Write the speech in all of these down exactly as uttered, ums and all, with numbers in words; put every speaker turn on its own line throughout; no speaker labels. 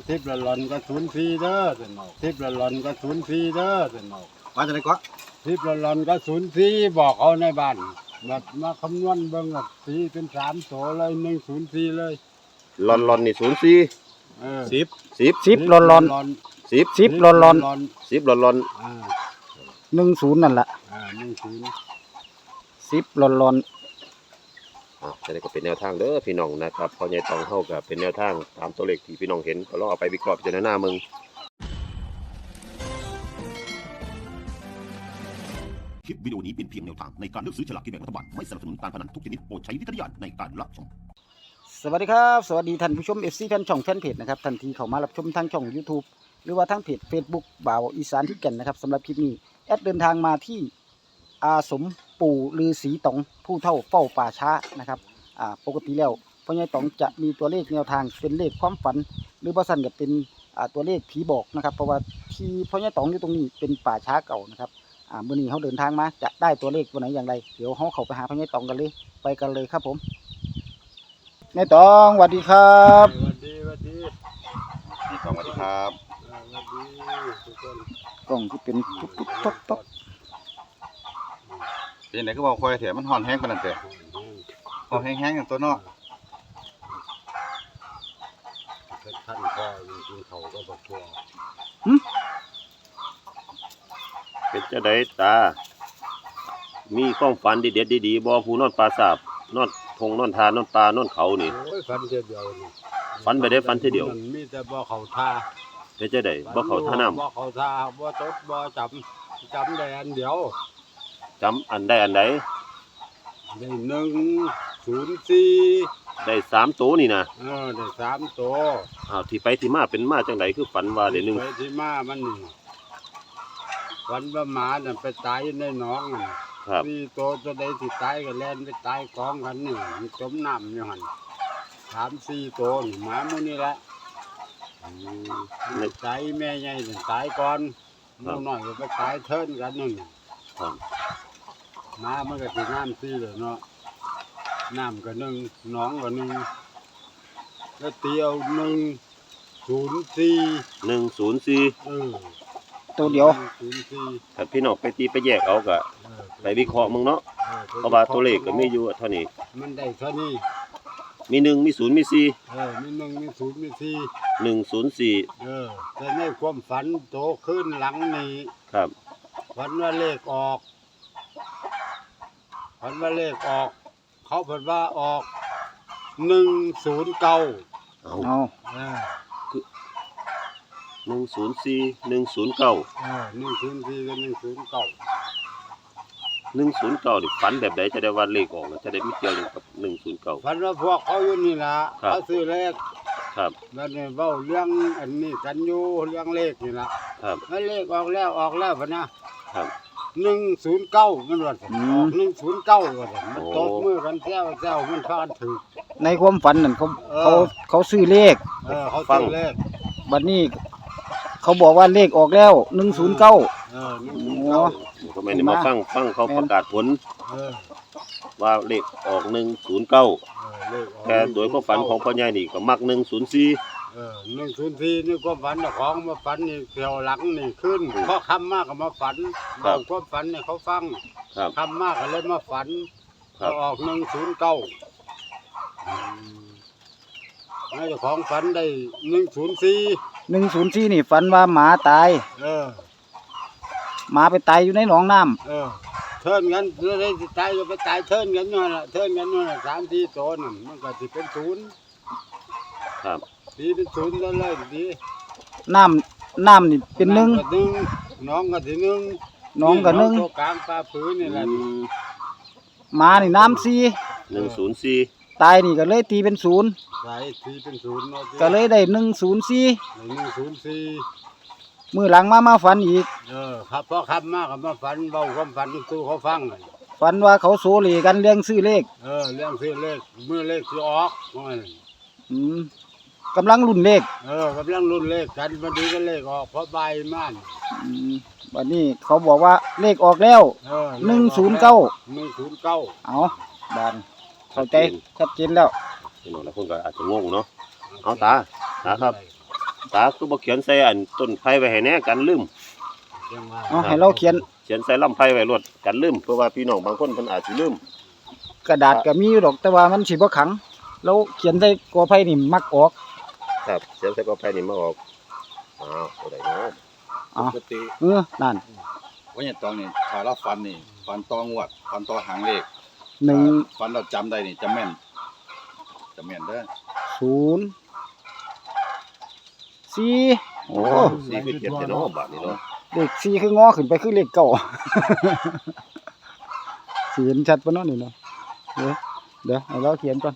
ทิพย์ละหลอนก็ศูนย์สี่เด้อสนอกทิพย์ละหลอนก็ศูนย์สี่เด้อสนอก
มาจากไหนก็
ทิพย์ละหลอนก็ศูนย์สี่บอกเขาในบ้านแบบมาคำนวณเบิ่งแบบสีเป็นสามโถเลยหนึ่งศูนย์สี่เลย
ลอนลอนนี่ศูนย์สี่
เออ
สิบ
สิบ
สิบลอนลอน
สิบ
สิบลอนลอน
สิบลอนลอน
อ่า
หนึ่งศูนย์นั่นแหละ
อ่าหนึ่งศูนย์
สิบลอนลอน
อ่ะจะได้ก็เป็นแนวทางเด้อพี่น้องนะครับพอใหญ่ตองเฮาก็เป็นแนวทางตามตัวเลขที่พี่น้องเห็นก็ลองเอาไปวิเคราะห์พิจารณามึง
คลิปวิดีโอนี้เป็นเพียงแนวทางในการเลือกซื้อฉลากกินแบ่งรัฐบาลไม่สนับสนุนการพนันทุกชนิดโปรดใช้วิจารณญาณในการรับชม
สวัสดีครับสวัสดีท่านผู้ชม เอฟ ซี แฟนช่องแฟนเพจนะครับทันทีเข้ามารับชมทางช่อง YouTube หรือว่าทางเพจ Facebook บ่าวอีสานที่แก่นนะครับสำหรับคลิปนี้แอดเดินทางมาที่อาสมปู่ฤาษีต๋องผู้เฒ่าเฝ้าป่าช้านะครับอ่าปกติแล้วพ่อใหญ่ต๋องจะมีตัวเลขแนวทางเป็นเลขความฝัน หรือบ่ซั่นก็เป็นอ่าตัวเลขผีบอกนะครับเพราะว่าที่พ่อใหญ่ต๋องอยู่ตรงนี้เป็นป่าช้าเก่านะครับอ่ามื้อนี้เฮาเดินทางมาจะได้ตัวเลขตัวไหนอย่างไรเดี๋ยวเฮาเข้าไปหาพ่อใหญ่ต๋องกันเลยไปกันเลยครับผมนายตองสวัสดีครับ
สวัสดีสวัสดี
พี่ตองสวัสดีครับ
อ่าสวัสดีทุกคน
กล้องที่เป็นตุ๊บตุ๊บต๊อกต๊อก
เป็นไหนก็บอกคอยแถมมันห่อนแห้งปานนั้นแต่ห่อนแห้งๆอย่างตัวเนาะ
เป็นท่านพ่อจริงๆเขาก็บอกว่า
เป็นเจ้าใดตา มีความฝันดีเด็ดดีๆบ่ผู้นอนปลาสาบนอนทงนอนทานนอนปลานอนเขานี่
โอ้ยฝันเดียวเดียวนี่
ฝันไปได้ฝันทีเดียว
มันมีแต่บ่เขาท่า
เป็นเจ้าใดบ่เข้าท่าน้
บ่เขาท่าบ่ตดบ่จำจำได้อันเดียว
ำจำอันใดอันใด
ได้หนึ่งศูนย์สี่
ได้สามตัวนี่นะ
เออได้สามตัว
อ้าวที่ไปที่มาเป็นมาจังไดคือฝันว่าได้หนึ่ง
ไปที่มามันนี่ฝันว่าหมาน่ะไปตายในหนองน่ะ
ครับ
สี่ตัวตัวใดที่ตายก็แล่นไปตายกองกันนี่มันจมน้ำอยู่หั่นสามสี่ตัวนี่หมาหมื้นี่แหละ
อืม
มันตายแม่ใหญ่น่ะตายก่อนหมูน้อยก็ไปตายเทินกันนั่นน่ะ
ครับ
น้ำมันก็สิน้ำซีเลยเนาะน้ำก็หนึ่งหนองก็หนึ่งแล้วเตียวหนึ่งศูนย์สี่
หนึ่งศูนย์สี่
เออ
ตัวเดียว
ศูนย์สี่
ถ้าพี่น้องไปตีไปแยกเอาก็
เออ
ไปวิเคราะห์มึงเนาะ
ออ
เพราะว่าตัวเลขก็มีอยู่เท่านี้
มันได้เท่านี้
มีหนึ่งมีศูนย์มีสี่
เออมีหนึ่งมีศูนย์มีสี่
หนึ่งศูนย์สี่
เออแต่ในความฝันโตขึ้นหลังนี้
ครับ
ฝันว่าเลขออกฝันว่าเลขออก เขาเพิ่นว่าออกหนึ่งศูนย์เก้า
เอา
เอา
เออ
หนึ่งศูนย์สี่หนึ่งศูนย์เก้า
เออหนึ่งศูนย์สี่กับหนึ่งศูนย์เก้า
หนึ่งศูนย์เก้าดิฝันแบบใดจะได้ว่าเลขออกแล้วจะได้ไม่เกี่ยวกับหนึ่งศูนย์เก้า
ฝันว่าพวกเขาอยู่นี่ล่ะ
ครับ
เขาซื้อเลข
ครับ
แล้วเนี่ยเว้าเรื่องอันนี้กันอยู่เรื่องเลขนี่ล่ะ
ครับ
แล้วเลขออกแล้วออกแล้วพะนะครับ หนึ่งศูนย์เก้ามันว่าซั่นออกหนึ่งศูนย์เก้าว่าซั่นมัน
โอ้
ตบมือกันแซวแซวมันพากันถือ
ในความฝันนั่นเขา
เออ
เขาเขาซื้อเลข
เออเขาซื้อเลข
บัดนี้ เขาบอกว่าเลขออกแล้วหนึ่งศูนย์เก้า
เออหนึ่งศูนย์เก้า
ทำไมเนี่ยมาฟังฟังเขาประกาศผล
เออ
ว่าเลขออกหนึ่งศูนย์เก้า
เออเลขออก
แต่โดยความฝันของพ่อใหญ่นี่ก็มักหนึ่งศูนย์สี่
เออหนึ่งศูนย์สี่นี่ความฝันเจ้าของมาฝันนี่เที่ยวหลังนี่ขึ้นเพราะคำมากก็มาฝันเอาความฝันเนี่ยเขาฟัง
ครับ
คำมากก็เลยมาฝัน
ครั
ก็
บ
ออกหนึ่งศูนย์เก้าเจ้าของฝันได้หนึ่งศูนย์สี่
หนึ่งศูนย์สี่นี่ฝันว่าหมาตาย
เออ
หมาไปตายอยู่ในหนองน้ำ
เออเทินกันเรื่อยๆตายก็ไปตายเทินกันนั่นแหละเทินกันนั่นแหละสามสี่ตัวนั่นมันก็สิเป็นศูนย์
ครับ
สีเป็นศูนย์แล้วเลยดี
น้ำน้ำนี่เป็นหนึ่ง
ก็หนึ่งน้องก็สิหนึ่ง
หนองก็หนึ่ง
ตัวกลางปลาผืนนี่แหละ
อืม
หมานี่น้ำสี่
หนึ่งศูนย์สี่
ตายนี่ก็เลยตีเป็นศูนย์
ใส่สีเป็นศูนย์เนาะ
ก็เลยได้หนึ่งศูนย์สี่
หนึ่งศูนย์สี่
มือหลังมามาฝันอีก
เออครับเพราะคำมากกับมาฝันเบาความฝันสู้เขาฟังเลย
ฝันว่าเขาโซเลกันเรื่องซื้อเลข
เออเรื่องซื้อเลขเมื่อเลขสิออกว่าไง
อืมกำลังรุ่นเลข
เออกำลังรุ่นเลขกันมาดีก็เลขออกเพราะใบม่าน
อืมวันนี้เขาบอกว่าเลขออกแล้ว
เออ
หนึ่งศูนย์เก้า
หนึ่งศูนย์เก้า
เอาบานเข้าใจชัดเจนแล้ว
พี่น้องหลายคนก็อาจจะงงเนาะ เอาตาตาครับตาคือบ่เขียนใส่อันต้นไผ่ไว้ให้แน่กันลืม
ยังว่า
เอาให้เราเขียน
เขียนใส่ลำไผ่ไว้รวดกันลืมเพราะว่าพี่น้องบางคนเพิ่นอาจสิลืม
กระดาษก็มีอยู่ดอกแต่ว่ามันสิบ่ขังเราเขียนใส่กอไผ่นี่มักออก
ครับเขียนใส่กอไผ่นี่มาออกอ้าวตัวใดเนาะ
อ๋อ
ปกติ
เออนั่น
ว่าอย่างตองนี่ถ้าเราฟันนี่ฟันตองวดฟันตอหางเลข
หนึ่ง
ฟันเราจำได้นี่จะแม่นจะแม่นเด้อ
ศูนย์สี่โอ้
สี่คือเขียนแต่เนาะบาดนี้เนาะ
เลขสี่คืองอขึ้นไปคือเลขเก้า สิเห็นชัดปะเนาะนี่เนาะเดี๋ยวเดี๋ยวให้เราเขียนก่อน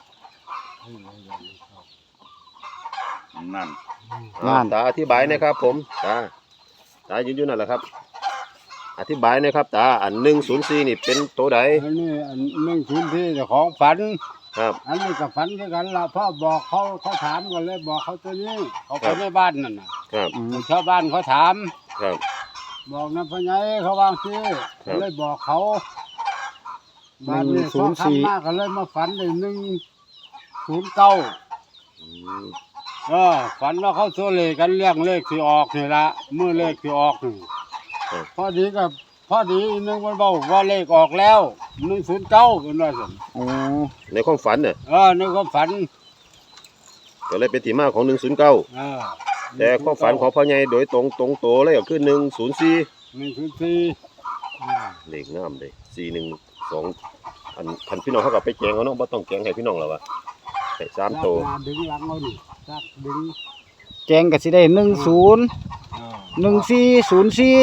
นั่น
อ่าตาอธิบายหนะครับผมตาตายืนอยู่นั่นแหละครับ อธิบายหนะครับตาอันหนึ่งศูนย์สี่นี่เป็นตัวใด
อันนี้อันหนึ่งศูนย์ที่เจ้าของฝัน
ครับ
อันนี้ก็ฝันคือกันละพ่อบอกเขาเขาถามกันเลยบอกเขาตัวนี้เขาไปในบ้านนั่นน่ะ
ครับ
อืม
ชาวบ้านเขาถาม
ครับ
บอกนะพ่อใหญ่เขาวางซื้อเลยบอกเขาบ้านนี้เขาทำมากก็เลยมาฝันเลยหนึ่งศูนย์เก้า
อืม
เออฝันว่าเขาโซเลกันเรื่องเลขที่ออกนี่ละเมื่อเลขที่ออกนี่พอดีกับพอดีอีกหนึงมันบอกว่าเลขออกแล้วหนึ่งศูนย์เก้าเป็นว่าสิ
โอ้
ในความฝันเนี่ย
เออนึกว่าฝัน
ก็เลยเป็นที่มาของหนึ่งศูนย์เก้า
เออ
แต่ความฝันของพ่อใหญ่โดยตรงตรงโตเลยก็คือหนึ่งศูนย์สี่
หนึ่งศูนย์สี่
เลขงามเลยสี่หนึ่งสองอันคันพี่น้องเขาก็ไปแจงเขาเนาะบ่ต้องแจงให้พี่น้องแล้ววะให้สามโต
ลากมาดึงหลังเอาดิลากดึง
แจงก็สิได้หนึ่งศูนย์
เออ
หนึ่งสี่ศูนย์สี่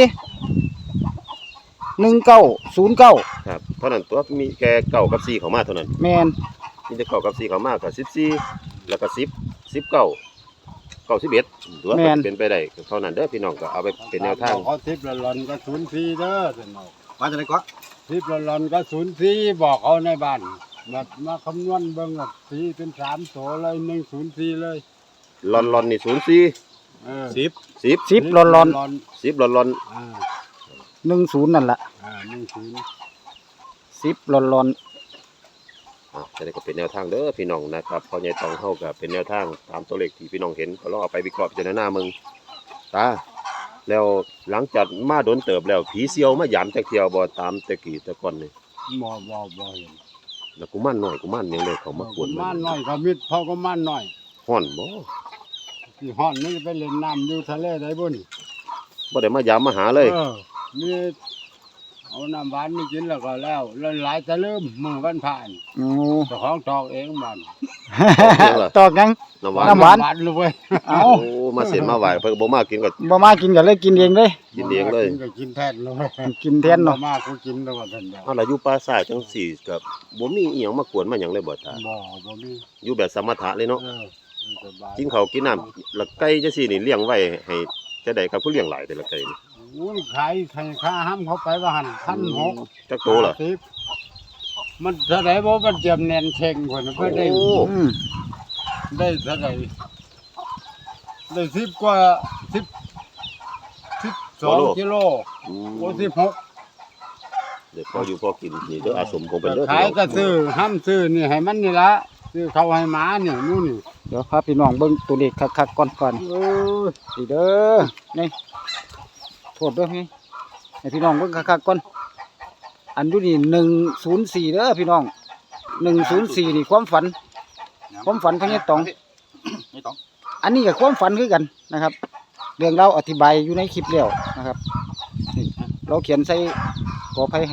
หนึ่งเก้าศูนย์เก้า
ครับเท่านั้นตัวมีแค่เก้ากับสี่เข้ามาเท่านั้น
แมน
มีแต่เก้ากับสี่เข้ามากับสิบสี่แล้วก็สิบสิบเก้าเก้าสิบเอ็ดตัวก็เป็นไปได้เท่านั้นเด้อพี่น้องก็เอาไปเป็นแนวทาง
บอกเขาทิพย์ละหลอนก็ศูนย์สี่เด้อสนอก
มาจากไหนก็
ทิพย์ละหลอนก็ศูนย์สี่บอกเขาในบ้านแบบมาคำนวณเบิ่งแบบสี่เป็นสามโถเลยหนึ่งศูนย์สี่เลย
ลอนลอนนี่ศูนย์สี่
เออ
สิบ
สิบ
สิบหลอนหลอน
สิบลอนลอน
อ่า
หนึ่งศูนย์นั่นแหละ
อ่าหนึ่งศูนย์
สิบหลอนหลอน
อ่ะจะได้ก็เป็นแนวทางเด้อพี่น้องนะครับพอใหญ่ตองเฮาก็เป็นแนวทางตามตัวเลขที่พี่น้องเห็นก็ลองเอาไปวิเคราะห์พิจารณามึงตาแล้วหลังจากมาโดนเติบแล้วผีเซียวมาหยามจักเที่ยวบ่ตามแต่กี้แต่ก่อนนี่
บ่บ่บ่เห็น
แล้วกูมั่นหน่อยกูมั่นหยังเลยเขามากวน
ม่านน้อยก็มิดเขาก็ม่านน้อย
ฮ้อนบ่
ที่ห้อนนี่ไปเล่นน้ำอยู่ทะเลได้บ่นี่
บ่ได้มายามมาหาเลย
เออมีเอาน้ำหวานนี่กินแล้วก็แล้วแล้วหลายจะลืมมื้อวันผ่าน
โอ้
เจ้าของตอกเองบ้าน
ตอกยัง
น้ำหวาน
น้ำหวาน
เลยเว้ย
เอา
โอ้มาเส้นมาไหวเพิ่นบ่มากินก็
บ่มากินก็เลยกินเองเลย
กินเองเลย
กินก็กินแทนเลย
กินแทนเนาะ
บ่มากูกินแล้วว่าท่านเดียว
เอาล่ะอยู่ป่าซ่าจังซี่ก็บ่มีอีหยังมากวนมาหยังเลยบ่ตา
บ่บ่มี
อยู่แบบสมถะเลยเนาะ
เออสบาย
กินข้าวกินน้ำแล้วไก่จังซี่นี่เลี้ยงไว้ให้จะได้ครับผู้เลี้ยงหลายแต่ละไก่นี่
โอ้ยขายขายค่าห้ำเขาไปว่าหันพันหก
จักโตล่ะ
สิบมันเท่าไหร่บ่มันเจียมแน่นเชงเพิ่นเพิ่นได้
โอ้
อืม
ได้เท่าไหร่ได้สิบกว่าสิบสิบสองกิโล
อืม
โอ้สิบหก
เดี๋ยวพออยู่พอกินนี่เด้ออาสมคงเป็นเด้อ
ขายก็ซื้อห้ำซื้อนี่ให้มันนี่ละซื้อเขาให้หมานี่นู่นนี่
เดี๋ยวพาพี่น้องเบิ่งตัวเลขคักๆก่อนก่อน
โอ้ย
สิเด้อนี่โทษเด้วยพี่ให้พี่น้องเบิ่งคักๆก่อนอันอยู่นี่หนึ่งศูนย์สี่เด้อพี่น้องหนึ่งศูนย์สี่นี่ความฝัน ความฝันพญาตอง
ไม่ต้อง
อันนี้กับความฝันคือกันนะครับ เรื่องเราอธิบายอยู่ในคลิปแล้วนะครับนี่เราเขียนใส่กอไผ่ให้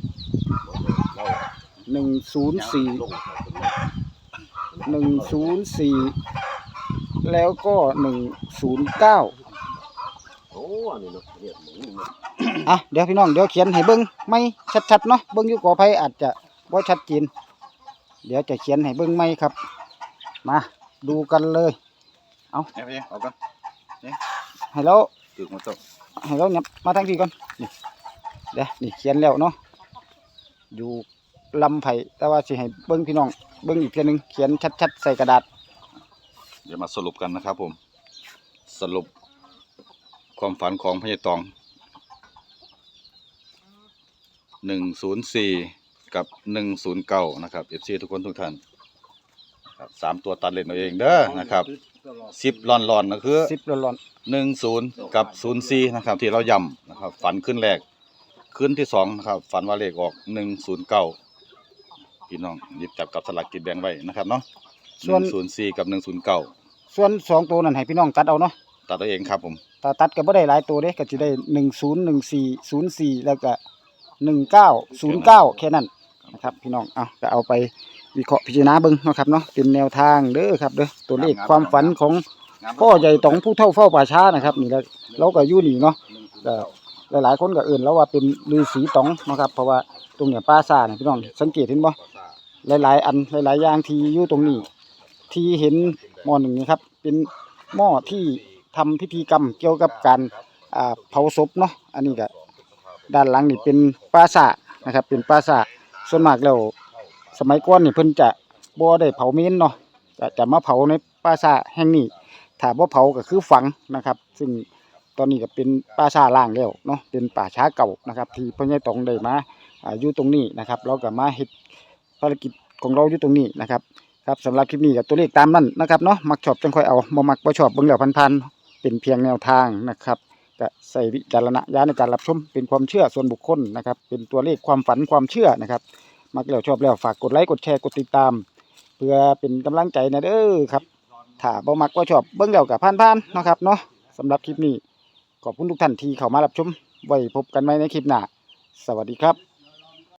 หนึ่งศูนย์สี่หนึ่งศูนย์สี่แล้วก็หนึ่งศูนย์เก้า
โอ้อันนี้เนาะเนี่ยหมูนี่เนาะ
อ่ะเดี๋ยวพี่น้องเดี๋ยวเขียนให้เบิ้งไม่ชัดๆเนาะเบิ้งอยู่กอไผ่อาจจะบ่ชัดเจนเดี๋ยวจะเขียนให้เบิ้งไม่ครับ มาดูกันเลย
เนี่ยพี่เอากัน
ให้เรา
ตึกมาตก
ให้เราเนียมาทางที่ก่อนนี่เดี๋ยวนี่เขียนแล้วเนาะอยู่ลำไผ่แต่ว่าสิให้เบิ้งพี่น้องเบิ้งอีกเพียงหนึ่งเขียนชัดๆใส่กระดาษ
เดี๋ยวมาสรุปกันนะครับผมสรุปความฝันของพญาตองหนึ่งศูนย์สี่กับหนึ่งศูนย์เก้านะครับเอฟซีทุกคนทุกท่านครับสามตัวตัดเล่นเอาเองเด้อนะครับสิบร้อนๆก็คือ
สิบร้อน
หนึ่งศูนย์กับศูนย์สี่นะครับที่เราย้ำนะครับฝันขึ้นแรกขึ้นที่สองนะครับฝันว่าเลขออกหนึ่งศูนย์เก้าพี่น้องหยิบจับกับสลากกินแบ่งไว้นะครับเนาะหนึ่งศูนย์สี่กับหนึ่งศูนย์เก้า
ๆส่วนสองตัวนั้นให้พี่น้องตัดเอาเนาะ
ตัดตัวเองครับผม
ถ้าตัดก็บ่ได้หลายตัวเด้ก็สิได้หนึ่งศูนย์ หนึ่งสี่ ศูนย์สี่แล้วก็หนึ่งเก้า ศูนย์เก้าแค่นั้นนะครับพี่น้องเอาก็เอาไปวิเคราะห์พิจารณาเบิ่งเนาะครับเนาะเป็นแนวทางเด้อครับเด้อตัวเลขความฝันของพ่อใหญ่ตองผู้เฒ่าเฝ้าป่าช้านะครับนี่แหละเราก็อยู่นี่เนาะก็หลายๆคนก็เอิ้นแล้วว่าเป็นฤาษีตองเนาะครับเพราะว่าตรงเนี้ยป่าซ่าเนี่ยพี่น้องสังเกตเห็นบ่หลายๆอันหลายๆอย่างที่อยู่ตรงนี้ที่เห็นหม้อหนึ่งนี่ครับเป็นหม้อที่ทำพิธีกรรมเกี่ยวกับการอ่าเผาศพเนาะอันนี้ก็ด้านหลังนี่เป็นป่าซ่านะครับเป็นป่าซ่าส่วนมากแล้วสมัยก่อนนี่เพิ่นจะบ่ได้เผาเมนเนาะจะจะมาเผาในป่าซ่าแห่งนี้ถ้าบ่เผาก็คือฝังนะครับซึ่งตอนนี้ก็เป็นป่าซ่าล้างแล้วเนาะเป็นป่าช้าเก่านะครับที่พ่อใหญ่ตองได้มาอ่าอยู่ตรงนี้นะครับเราก็มาเฮ็ดภารกิจของเราอยู่ตรงนี้นะครับครับสำหรับคลิปนี้ก็ตัวเลขตามนั้นนะครับเนาะมักชอบจังค่อยเอาบ่มักบ่ชอบเบิ่งแล้วพันๆเป็นเพียงแนวทางนะครับก็ใส่วิจารณญาณในการรับชมเป็นความเชื่อส่วนบุคคลนะครับเป็นตัวเลขความฝันความเชื่อนะครับมักแล้วชอบแล้วฝากกดไลค์กดแชร์กดติดตามเพื่อเป็นกำลังใจนะเด้อครับถ้าบ่มักบ่ชอบเบิ่งแล้วก็ผ่านๆเนาะครับเนาะสำหรับคลิปนี้ขอบคุณทุกท่านที่เข้ามารับชมไว้พบกันใหม่ในคลิปหน้าสวัสดีครับ